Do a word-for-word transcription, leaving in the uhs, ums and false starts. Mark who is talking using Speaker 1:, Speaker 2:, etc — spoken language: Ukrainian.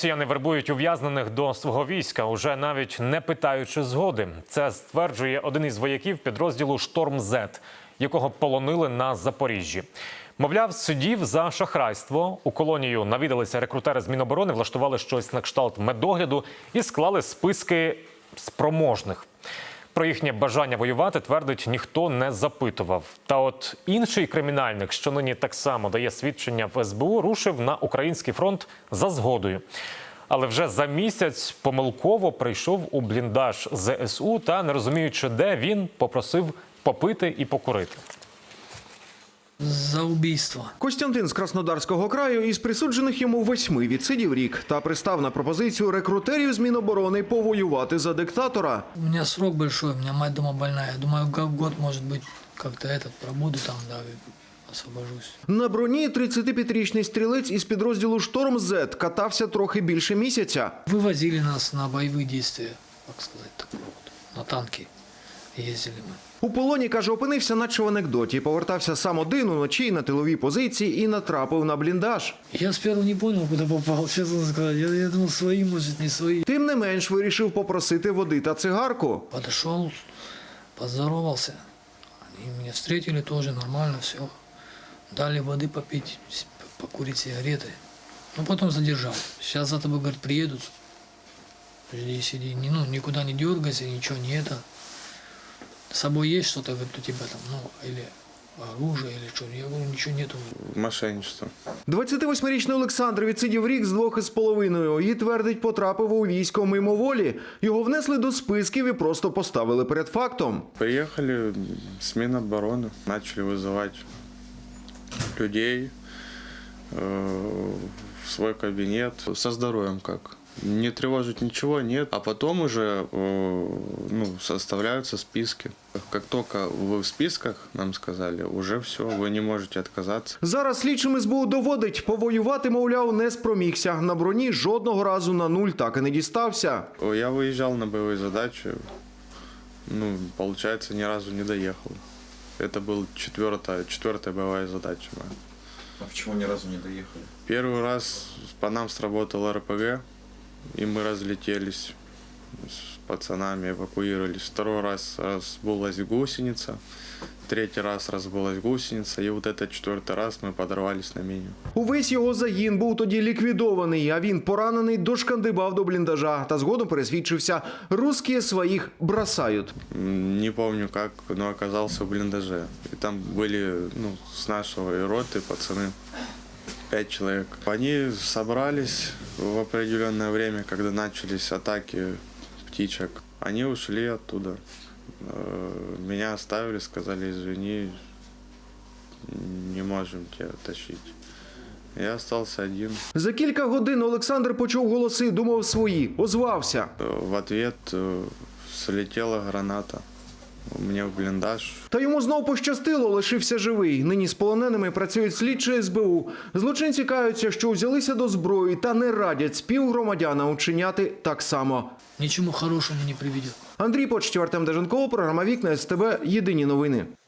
Speaker 1: Росіяни вербують ув'язнених до свого війська, уже навіть не питаючи згоди. Це стверджує один із вояків підрозділу «Шторм-Зет», якого полонили на Запоріжжі. Мовляв, судів за шахрайство. У колонію навідалися рекрутери з Міноборони, влаштували щось на кшталт медогляду і склали списки спроможних. Про їхнє бажання воювати, твердить, ніхто не запитував. Та от інший кримінальник, що нині так само дає свідчення в ес бе у, рушив на український фронт за згодою. Але вже за місяць помилково прийшов у бліндаж зе ес у та, не розуміючи де, він попросив попити і покурити.
Speaker 2: За убійство.
Speaker 3: Костянтин з Краснодарського краю із присуджених йому восьми відсидів рік та пристав на пропозицію рекрутерів з Міноборони повоювати за диктатора.
Speaker 2: У мене срок большой, у мене мать дома больна. Я думаю, год, може бути, як-то этот, пробуду там, да, освобожусь.
Speaker 3: На броні тридцятип'ятирічний стрілець із підрозділу «Шторм-Зет» катався трохи більше місяця.
Speaker 2: Вивозили нас на бойові дії, як сказати, такого, на танки їздили ми.
Speaker 3: У полоні, каже, опинився наче в анекдоті. Повертався сам один уночі на тиловій позиції і натрапив на бліндаж.
Speaker 2: Я сперва не зрозумів, куди попав, чесно сказати. Я, я думав, свої, може, не свої.
Speaker 3: Тим не менш вирішив попросити води та цигарку.
Speaker 2: Подошел, поздоровался. Они меня встретили тоже нормально, все. Дали воды попить, покурить сигареты. Ну, потом задержал. Сейчас за тобой, говорит, приедут. Жди, сиди, не, ну, никуда не дергайся, ничего не это. С собой есть что-то, говорит, у тебя там, ну, или оружие, или что. Я говорю, ничего нету.
Speaker 4: Мошенничество.
Speaker 3: двадцятивосьмирічний Олександр відсидів рік з двох із половиною і, твердить, потрапив у військо мимоволі. Його внесли до списків і просто поставили перед фактом.
Speaker 4: Приехали с Минобороны, начали вызывать людей э, в свой кабинет. Со здоровьем как? Не тревожить ничего, нет. А потом уже э, ну, составляются списки. Как только вы в списках, нам сказали, уже все, вы не можете отказаться.
Speaker 3: Зараз слідчим ес бе у доводить, повоювати, мовляв, не спромігся. На броні жодного разу на нуль так і не дістався.
Speaker 4: Я выезжал на боевые задачи, ну, получается, ни разу не доехал. Это была четвертая, четвертая боевая задача моя.
Speaker 5: А почему ни разу не доехали?
Speaker 4: Первый раз по нам сработал эр пэ гэ, и мы разлетелись с пацанами, эвакуировались. Второй раз разбылась гусеница, третий раз разбылась гусеница, и вот этот четвертый раз мы подорвались на мине.
Speaker 3: Увесь його загін був тоді ліквідований, а він, поранений, дошкандибав до бліндажа та згодом пересвідчився: русские своїх бросають.
Speaker 4: Не помню как, но оказался в блиндаже. И там были, ну, с нашего и роты пацаны. Пять человек. Они собрались в определенное время, когда начались атаки птичек. Они ушли оттуда. Меня оставили, сказали, извини, не можем тебя тащить. Я остался один.
Speaker 3: За кілька годин Олександр почув голоси, думав свої, озвався.
Speaker 4: В ответ слетела граната. Мені в бліндаж.
Speaker 3: Та йому знов пощастило, лишився живий. Нині з полоненими працюють слідчі ес бе у. Злочинці каються, що взялися до зброї та не радять співгромадянам учиняти так само.
Speaker 2: Ничему хорошему не приведет.
Speaker 3: Андрій Почтів, Артем Деженков, програма «Вікна ес те бе», єдині новини.